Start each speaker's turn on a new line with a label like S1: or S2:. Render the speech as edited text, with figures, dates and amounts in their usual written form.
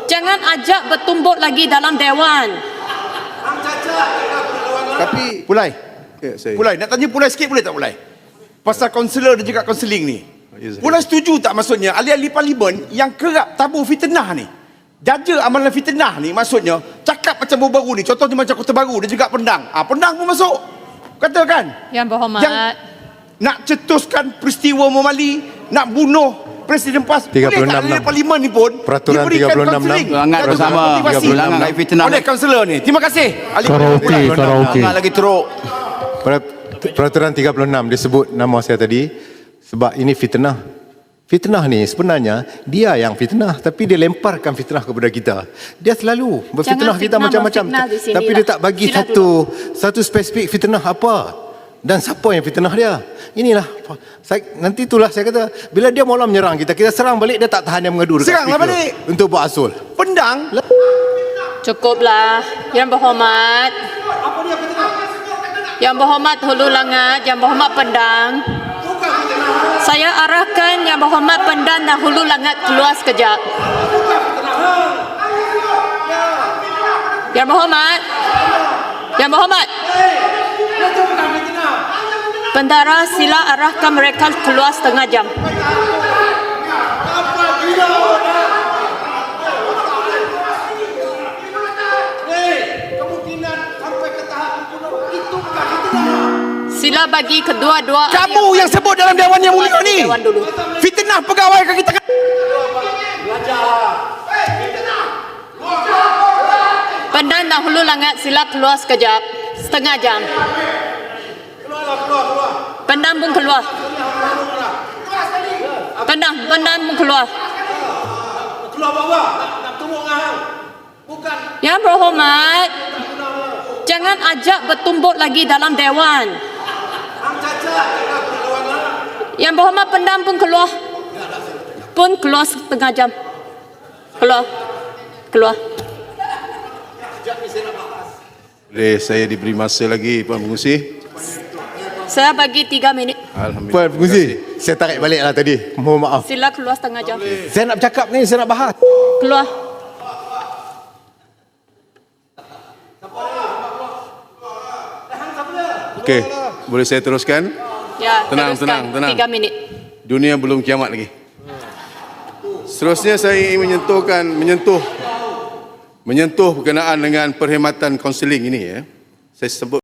S1: Jangan ajak bertumbuk lagi dalam Dewan.
S2: Tapi
S3: Pulai.
S2: saya.
S3: Pulai, nak tanya Pulai sikit boleh tak Pulai? Pasal kaunselor dan juga kaunseling ni.
S2: Ya,
S3: Pulai setuju tak maksudnya ahli-ahli parlimen yang kerap tabur fitnah ni? Jaja amalan fitnah ni maksudnya cakap macam baru-baru ni. Contohnya macam Kota Baru dan juga Pendang. Pendang pun masuk. Katakan.
S1: Yang berhormat.
S3: Yang nak cetuskan peristiwa Momali, nak bunuh Presiden PAS.
S4: 36
S3: Boleh tak ahli parlimen ni pun
S4: Peraturan
S3: diberikan
S4: 36
S3: kaunseling?
S2: Hangat
S3: Kata
S2: bersama.
S3: motivasi.
S2: Hangat fitnah.
S3: Oleh kaunselor ni. Terima kasih. Ahli
S5: Karaoke.
S2: Hangat lagi teruk.
S4: Peraturan 36 disebut nama saya tadi sebab ini fitnah. Fitnah ni sebenarnya dia yang fitnah tapi dia lemparkan fitnah kepada kita. Dia selalu berfitnah
S1: Jangan
S4: kita
S1: fitnah,
S4: macam-macam
S1: memfitnah di sini
S4: tapi
S1: lah.
S4: dia tak bagi
S1: Sila
S4: satu spesifik fitnah apa dan siapa yang fitnah dia. Inilah nanti itulah saya kata bila dia mula menyerang kita serang balik dia tak tahan yang mengadu dekat
S3: Seranglah
S4: speaker
S3: balik.
S4: untuk buat asul.
S3: Pendang.
S1: Cukuplah. Yang berhormat. Yang berhormat Hulu Langat, Yang berhormat Pendang. Saya arahkan Yang berhormat Pendang dan Hulu Langat keluar sekejap. Yang berhormat. Yang berhormat. Bendara sila arahkan mereka keluar setengah jam. Sila bagi kedua-dua.
S3: Kamu yang sebut dalam Dewan Yang Mulia ni.
S1: Dewan dulu.
S3: Fitnah pegawai ke kita.
S1: Pendang dan Hulu Langat sila keluar sekejap. Setengah jam. Pendang pun keluar. Pendang pun keluar. Yang berhormat, jangan ajak bertumbuk lagi dalam Dewan. Yang berhormat Pendang pun keluar. Pun keluar setengah jam. Keluar.
S2: Boleh saya diberi masa lagi Puan Pengurusi?
S1: Saya bagi 3 minit.
S2: Alhamdulillah.
S4: Puan Pengurusi, saya tarik balik lah tadi. Mohon maaf.
S1: Sila keluar setengah jam.
S4: Saya nak bercakap ni, saya nak bahas.
S1: Keluar.
S2: Okey, boleh saya teruskan?
S1: Ya,
S2: Tenang,
S1: teruskan.
S2: tenang.
S1: 3 minit.
S2: Dunia belum kiamat lagi. Seterusnya saya ingin menyentuh berkenaan dengan perkhidmatan kaunseling ini ya. Saya sebut